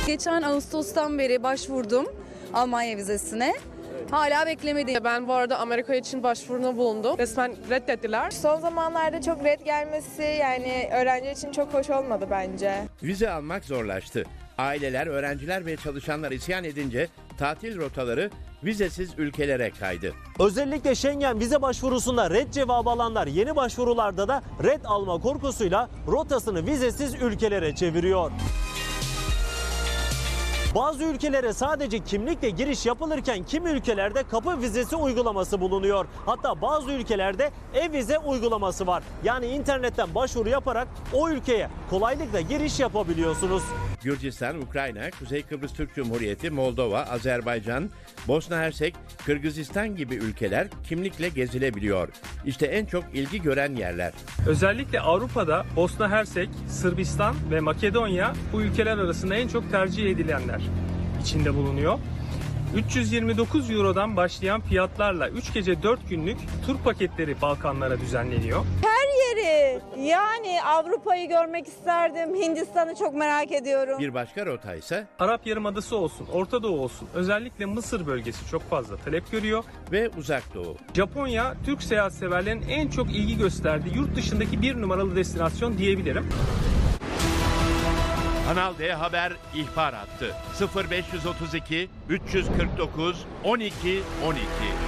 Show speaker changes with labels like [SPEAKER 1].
[SPEAKER 1] Geçen Ağustos'tan beri başvurdum Almanya vizesine. Hala beklemedim.
[SPEAKER 2] Ben bu arada Amerika için başvuruda bulundum. Resmen reddettiler.
[SPEAKER 3] Son zamanlarda çok red gelmesi yani öğrenci için çok hoş olmadı bence.
[SPEAKER 4] Vize almak zorlaştı. Aileler, öğrenciler ve çalışanlar isyan edince tatil rotaları vizesiz ülkelere kaydı.
[SPEAKER 5] Özellikle Schengen vize başvurusunda red cevabı alanlar yeni başvurularda da red alma korkusuyla rotasını vizesiz ülkelere çeviriyor. Bazı ülkelere sadece kimlikle giriş yapılırken kimi ülkelerde kapı vizesi uygulaması bulunuyor. Hatta bazı ülkelerde e-vize uygulaması var. Yani internetten başvuru yaparak o ülkeye kolaylıkla giriş yapabiliyorsunuz.
[SPEAKER 4] Gürcistan, Ukrayna, Kuzey Kıbrıs Türk Cumhuriyeti, Moldova, Azerbaycan, Bosna Hersek, Kırgızistan gibi ülkeler kimlikle gezilebiliyor. İşte en çok ilgi gören yerler.
[SPEAKER 6] Özellikle Avrupa'da Bosna Hersek, Sırbistan ve Makedonya bu ülkeler arasında en çok tercih edilenler içinde bulunuyor. 329 Euro'dan başlayan fiyatlarla 3 gece 4 günlük tur paketleri Balkanlara düzenleniyor.
[SPEAKER 7] Yani Avrupa'yı görmek isterdim. Hindistan'ı çok merak ediyorum.
[SPEAKER 4] Bir başka rota ise
[SPEAKER 6] Arap Yarımadası olsun, Orta Doğu olsun, özellikle Mısır bölgesi çok fazla talep görüyor.
[SPEAKER 4] ve Uzak Doğu.
[SPEAKER 6] Japonya, Türk seyahatseverlerin en çok ilgi gösterdiği yurt dışındaki bir numaralı destinasyon diyebilirim.
[SPEAKER 4] Kanal D Haber ihbar hattı 0532 349 12 12.